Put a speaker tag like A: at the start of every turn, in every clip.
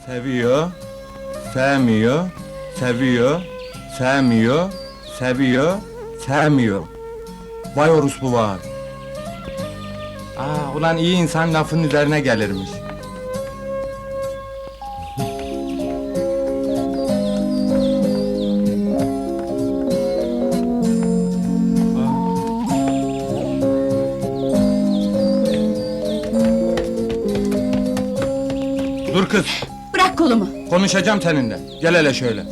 A: Seviyor, sevmiyor, seviyor, sevmiyor, seviyor, sevmiyor. Vay orospu var. Ulan iyi insan lafın üzerine gelirmiş. Dur kız,
B: Bırak kolumu!
A: konuşacağım seninle. Gel hele şöyle.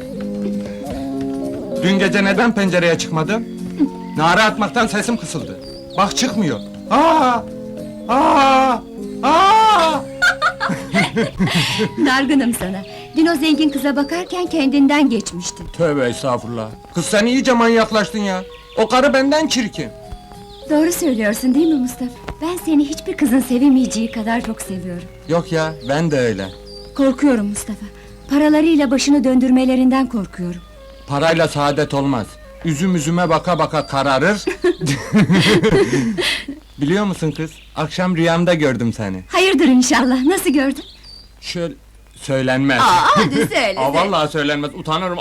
A: Dün gece neden pencereye çıkmadın? Nara atmaktan sesim kısıldı. Bak çıkmıyor. Aa! Aa! Aa!
B: Dargınım sana. Dün o zengin kıza bakarken kendinden geçmiştin.
A: Tövbe estağfurullah. Kız sen iyice manyaklaştın ya. O karı benden çirkin.
B: Doğru söylüyorsun değil mi Mustafa? Ben seni hiçbir kızın sevemeyeceği kadar çok seviyorum.
A: Yok ya, ben de öyle.
B: Korkuyorum Mustafa. Paralarıyla başını döndürmelerinden korkuyorum.
A: Parayla saadet olmaz. Üzüm üzüme baka baka kararır. Biliyor musun kız? Akşam rüyamda gördüm seni.
B: Hayırdır inşallah, nasıl gördün?
A: Şöyle... Söylenmez.
B: Hadi söyle!
A: Vallahi söylenmez, utanırım.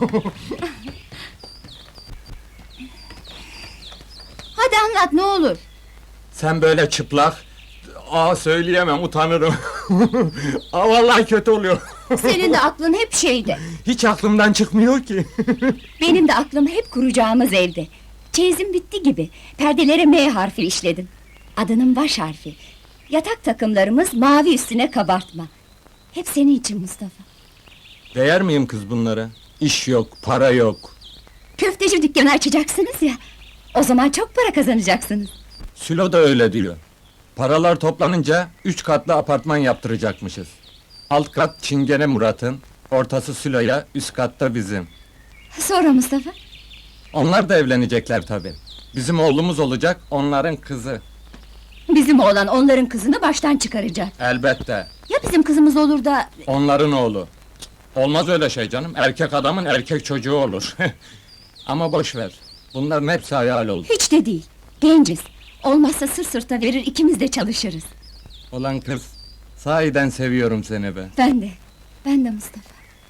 B: Hadi anlat, ne olur!
A: Sen böyle çıplak... söyleyemem, utanırım. Vallahi kötü oluyor.
B: Senin de aklın hep şeyde.
A: Hiç aklımdan çıkmıyor ki.
B: Benim de aklım hep kuracağımız evde. Çeyizim bitti gibi. Perdelere M harfi işledim. Adının baş harfi. Yatak takımlarımız mavi üstüne kabartma. Hep senin için Mustafa.
A: Değer miyim kız bunlara? İş yok, para yok.
B: Köfteci dükkanı açacaksınız ya. O zaman çok para kazanacaksınız.
A: Sülo da öyle diyor. Paralar toplanınca 3 katlı apartman yaptıracakmışız. Alt kat Çingene Murat'ın, ortası Sülo'ya, üst katta bizim.
B: Sonra Mustafa?
A: Onlar da evlenecekler tabii. Bizim oğlumuz olacak, onların kızı.
B: Bizim oğlan onların kızını baştan çıkaracak.
A: Elbette.
B: Ya bizim kızımız olur da...
A: Onların oğlu. Olmaz öyle şey canım, erkek adamın erkek çocuğu olur. Ama boş ver. Bunların hepsi hayal oldu.
B: Hiç de değil. Genciz. Olmazsa sırt sırta verir, ikimiz de çalışırız.
A: Olan kız, sahiden seviyorum seni be.
B: Ben de. Ben de Mustafa.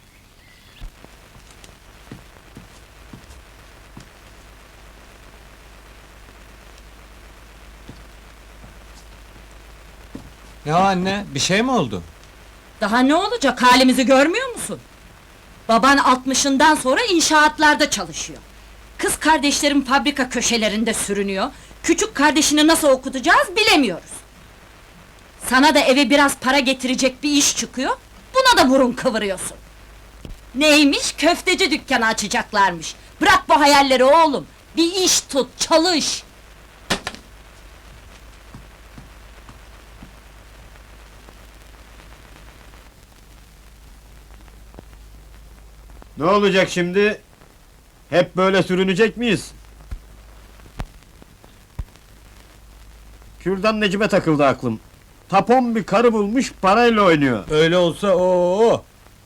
A: Ya anne, bir şey mi oldu?
C: Daha ne olacak, halimizi görmüyor musun? Baban 60'ından sonra inşaatlarda çalışıyor. Kız kardeşlerim fabrika köşelerinde sürünüyor. Küçük kardeşini nasıl okutacağız bilemiyoruz. Sana da eve biraz para getirecek bir iş çıkıyor, buna da burun kıvırıyorsun. Neymiş, köfteci dükkanı açacaklarmış. Bırak bu hayalleri oğlum, bir iş tut, çalış!
D: Ne olacak şimdi? Hep böyle sürünecek miyiz? Kürdan Necip'e takıldı aklım. Tapon bir karı bulmuş, parayla oynuyor.
A: Öyle olsa o.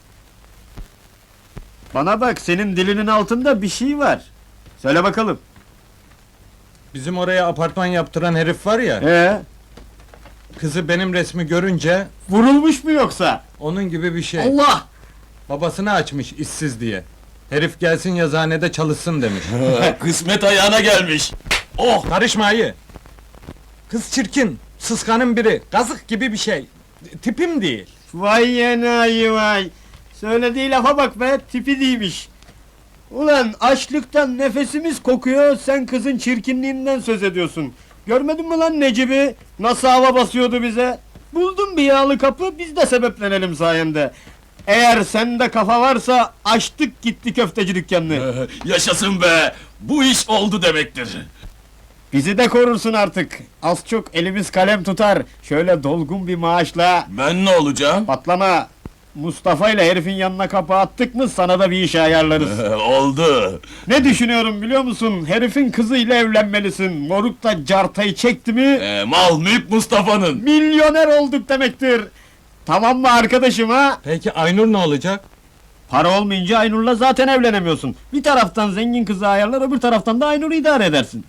D: Bana bak, senin dilinin altında bir şey var. Söyle bakalım.
A: Bizim oraya apartman yaptıran herif var ya, kızı benim resmi görünce,
D: Vurulmuş mu yoksa?
A: onun gibi bir şey.
C: Allah!
A: Babasını açmış işsiz diye. Herif gelsin yazıhanede çalışsın demiş.
E: Kısmet ayağına gelmiş.
A: Oh! Karışma ayı! Kız çirkin, sıskanın biri, kazık gibi bir şey. Tipim değil.
D: Vay yenayi vay! Söylediği lafa bak be, tipi değilmiş. Ulan açlıktan nefesimiz kokuyor, sen kızın çirkinliğinden söz ediyorsun. Görmedin mi lan Necip'i? Nasıl hava basıyordu bize? Buldum bir yağlı kapı, biz de sebeplenelim sayende. Eğer sende kafa varsa, açtık gitti köfteci dükkanını.
E: Yaşasın be! Bu iş oldu demektir.
D: Bizi de korursun artık. Az çok elimiz kalem tutar. Şöyle dolgun bir maaşla...
E: Ben ne olacağım?
D: Patlama! Mustafa ile herifin yanına kapı attık mı sana da bir iş ayarlarız.
E: Oldu.
D: Ne düşünüyorum biliyor musun? Herifin kızıyla evlenmelisin. Moruk da cartayı çekti mi...
E: Mal mülk Mustafa'nın.
D: Milyoner olduk demektir. Tamam mı arkadaşım ha?
A: Peki Aynur ne olacak?
D: Para olmayınca Aynur'la zaten evlenemiyorsun. Bir taraftan zengin kızı ayarlar, öbür taraftan da Aynur'u idare edersin.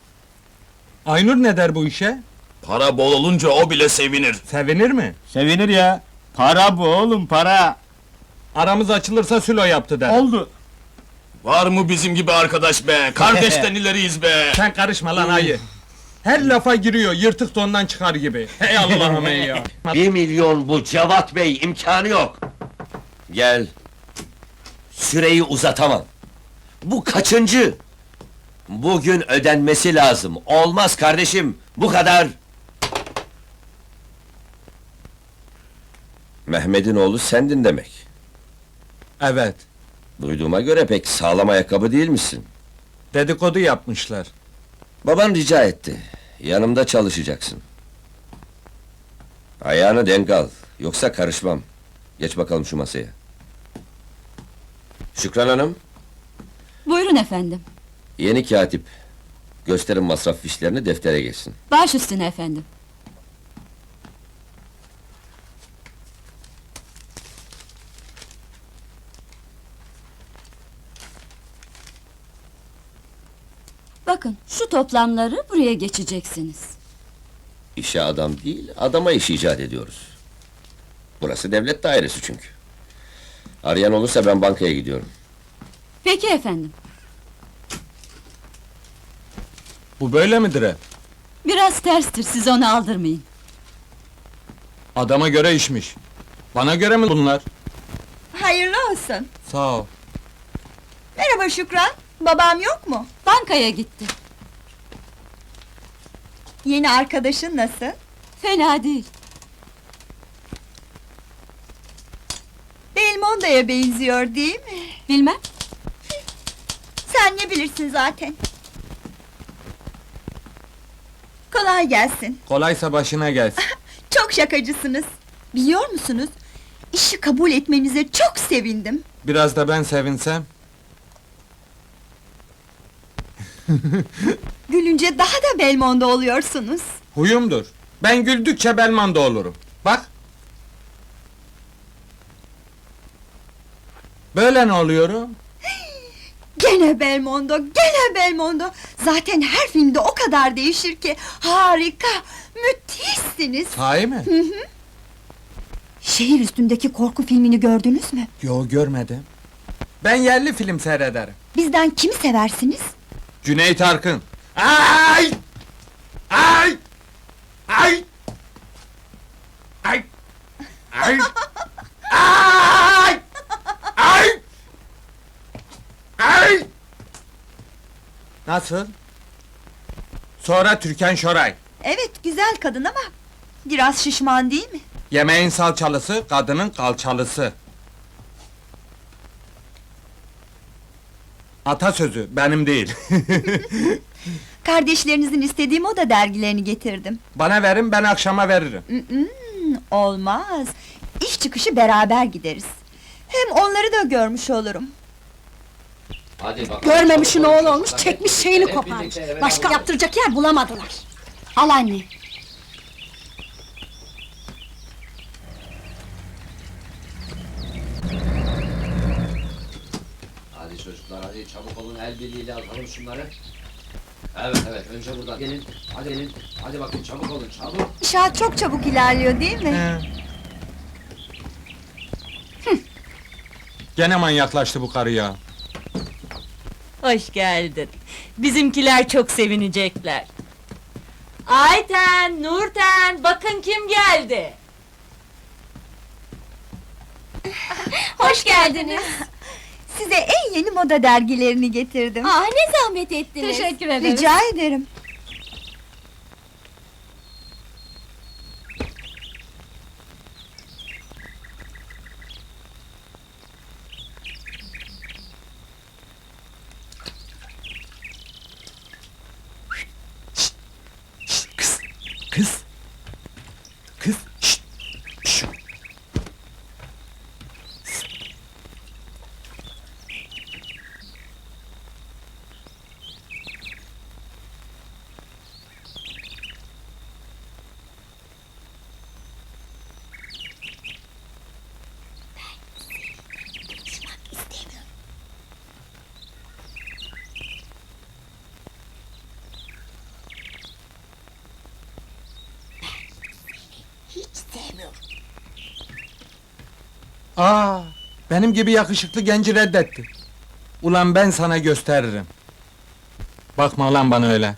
A: Aynur ne der bu işe?
E: Para bol olunca o bile sevinir.
A: Sevinir mi?
D: Sevinir ya. Para bu oğlum, para!
A: Aramız açılırsa Sülo yaptı der.
D: Oldu!
E: Var mı bizim gibi arkadaş be? Kardeşten ileriyiz be!
A: Sen karışma lan ayı. Her lafa giriyor, yırtık dondan çıkar gibi. Hey Allah'ım ey ya.
F: 1 milyon bu Cevat Bey, imkanı yok. Gel. Süreyi uzatamam. Bu kaçıncı? Bugün ödenmesi lazım. Olmaz kardeşim, bu kadar. Mehmet'in oğlu sendin demek.
A: Evet,
F: Duyduğuma göre pek sağlam ayakkabı değil misin?
A: dedikodu yapmışlar.
F: Baban rica etti. Yanımda çalışacaksın. Ayağını denk al. Yoksa karışmam. Geç bakalım şu masaya. Şükran Hanım,
B: Buyurun efendim.
F: yeni katip. Gösterin masraf fişlerini, deftere geçsin.
B: Baş üstüne efendim. Bakın, şu toplamları buraya geçeceksiniz.
F: İşe adam değil, adama iş icat ediyoruz. Burası devlet dairesi çünkü. Arayan olursa ben bankaya gidiyorum.
B: Peki efendim.
A: Bu böyle midir hep?
B: Biraz terstir, siz onu aldırmayın.
A: Adama göre işmiş. Bana göre mi bunlar?
G: Hayırlı olsun.
A: Sağ ol.
G: Merhaba Şükran. Babam yok mu?
B: Bankaya gitti.
G: Yeni arkadaşın nasıl?
B: Fena değil.
G: Belmondo'ya benziyor değil mi?
B: Bilmem.
G: Sen ne bilirsin zaten. Kolay gelsin.
A: Kolaysa başına gelsin.
G: Çok şakacısınız. Biliyor musunuz? İşi kabul etmenize çok sevindim.
A: Biraz da ben sevinsem.
G: Gülünce daha da Belmondo oluyorsunuz.
A: Huyumdur. Ben güldükçe Belmanda olurum. Bak. Böyle ne oluyorum?
G: Gene Belmondo, gene Belmondo. Zaten her filmde o kadar değişir ki. Harika, müthişsiniz.
A: Sahi mi?
G: Şehir üstündeki korku filmini gördünüz mü?
A: Yo, görmedim. Ben yerli film seyrederim.
G: Bizden kimi seversiniz?
A: Cüneyt Arkın. Ay! Ay! Ay! Ay! Ay! Ay! Ay! Ay! Nasıl? Sonra Türkan Şoray.
G: Evet, güzel kadın ama biraz şişman değil mi?
A: Yemeğin salçalısı, kadının kalçalısı. Atasözü, benim değil.
G: Kardeşlerinizin istediği moda dergilerini getirdim.
A: Bana verin, ben akşama veririm.
G: Olmaz. İş çıkışı beraber gideriz. Hem onları da görmüş olurum.
F: Hadi bakalım.
H: Görmemişin oğlu olmuş, çekmiş şeyini koparmış. Başka yaptıracak yer bulamadılar.
B: Al anne.
F: Hadi çocuklar, hadi çabuk olun, el birliğiyle atalım şunları. Evet, önce buradan. Gelin, hadi gelin. Hadi bakın, çabuk olun, çabuk.
G: İnşaat çok çabuk ilerliyor değil mi?
A: Gene manyaklaştı bu karı ya.
C: Hoş geldin. Bizimkiler çok sevinecekler. Ayten, Nurten, bakın kim geldi.
B: Hoş geldiniz.
G: Size en yeni moda dergilerini getirdim.
B: Ne zahmet ettiniz.
H: Teşekkür ederim.
G: Rica ederim.
A: Kız! Kız! Kız! Şşt! Şşt! Aa, benim gibi yakışıklı genci reddetti. Ulan ben sana gösteririm. Bakma lan bana öyle.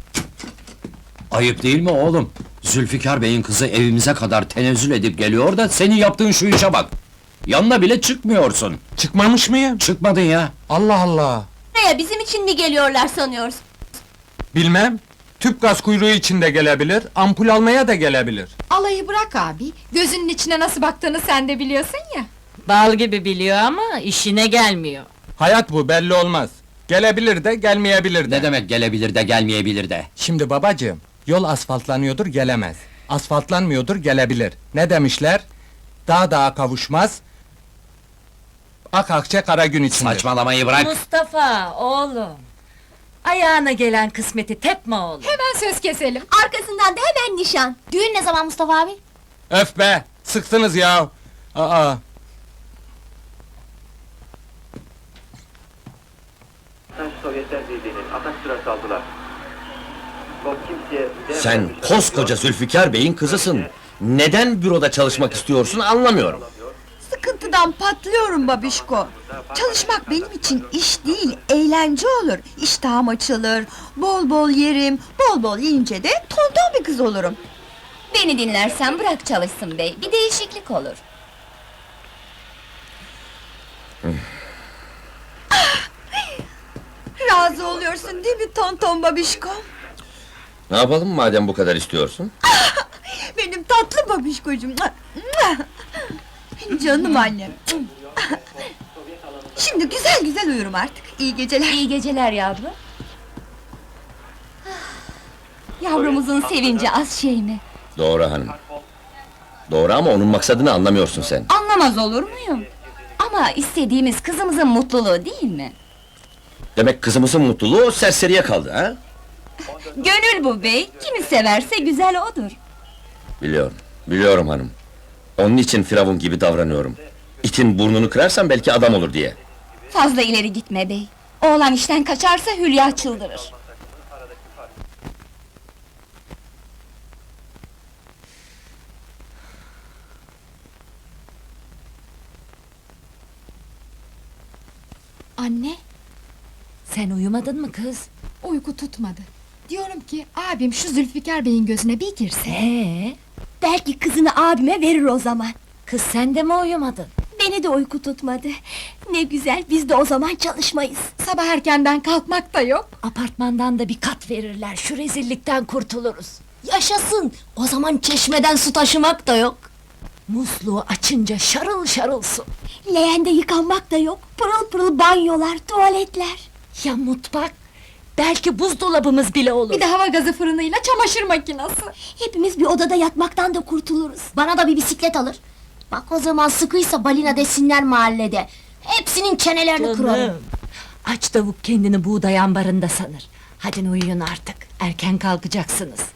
I: Ayıp değil mi oğlum? Zülfikar Bey'in kızı evimize kadar tenezzül edip geliyor da senin yaptığın şu işe bak. Yanına bile çıkmıyorsun.
A: Çıkmamış mıyım?
I: Çıkmadın ya.
A: Allah Allah!
B: Buraya bizim için mi geliyorlar sanıyorsun?
A: Bilmem. Tüp gaz kuyruğu içinde gelebilir, ampul almaya da gelebilir.
H: Alayı bırak abi. Gözünün içine nasıl baktığını sen de biliyorsun ya.
C: Bal gibi biliyor ama işine gelmiyor.
A: Hayat bu, belli olmaz. Gelebilir de, gelmeyebilir de.
I: Ne demek gelebilir de gelmeyebilir de?
A: Şimdi babacığım, yol asfaltlanıyordur gelemez. Asfaltlanmıyordur gelebilir. Ne demişler? Dağ dağa kavuşmaz. Ak akçe kara gün içinde.
I: Saçmalamayı bırak.
C: Mustafa, oğlum! Ayağına gelen kısmeti tepme oğlum!
H: Hemen söz keselim.
B: Arkasından da hemen nişan. Düğün ne zaman Mustafa abi?
A: Öf be! Sıktınız ya! Aa!
J: Sovyetler Birliği'nin atak sırası aldılar. O kimseye
F: Sen koskoca Zülfikar Bey'in kızısın. Neden büroda çalışmak istiyorsun anlamıyorum.
G: Sıkıntıdan patlıyorum babişko. Çalışmak benim için iş değil, eğlence olur. İştahım açılır, bol bol yerim, bol bol yiyince de tonton bir kız olurum.
B: Beni dinlersen bırak çalışsın bey, bir değişiklik olur.
G: Razı oluyorsun değil mi tonton babişko?
F: Ne yapalım madem bu kadar istiyorsun?
G: Benim tatlı babişkocuğum. Canım annem. Şimdi güzel güzel uyurum artık. İyi geceler.
B: İyi geceler yavrum. Yavrumuzun sevinci az şey mi?
F: Doğru hanım. Doğru ama onun maksadını anlamıyorsun sen.
B: Anlamaz olur muyum? Ama istediğimiz kızımızın mutluluğu değil mi?
F: Demek kızımızın mutluluğu o serseriye kaldı ha?
B: Gönül bu bey, kimi severse güzel odur.
F: Biliyorum, biliyorum hanım. Onun için firavun gibi davranıyorum. İtin burnunu kırarsam belki adam olur diye.
B: Fazla ileri gitme bey. Oğlan işten kaçarsa Hülya çıldırır.
H: Anne,
C: Sen uyumadın mı kız?
H: uyku tutmadı. Diyorum ki abim şu Zülfikar Bey'in gözüne bir girse.
B: Belki kızını abime verir o zaman.
C: Kız sen de mi uyumadın?
B: Beni de uyku tutmadı. Ne güzel, biz de o zaman çalışmayız.
H: Sabah erkenden kalkmak da yok.
C: Apartmandan da bir kat verirler, şu rezillikten kurtuluruz.
B: Yaşasın! O zaman çeşmeden su taşımak da yok.
C: Musluğu açınca şarıl şarıl su.
B: Leğende yıkanmak da yok. Pırıl pırıl banyolar, tuvaletler.
C: Ya mutfak? Belki buzdolabımız bile olur.
H: Bir de hava gazı fırınıyla çamaşır makinesi.
B: Hepimiz bir odada yatmaktan da kurtuluruz. Bana da bir bisiklet alır. Bak o zaman sıkıysa balina desinler mahallede. Hepsinin çenelerini kırarım.
C: Canım, aç tavuk kendini buğday ambarında sanır. Hadi uyuyun artık, erken kalkacaksınız.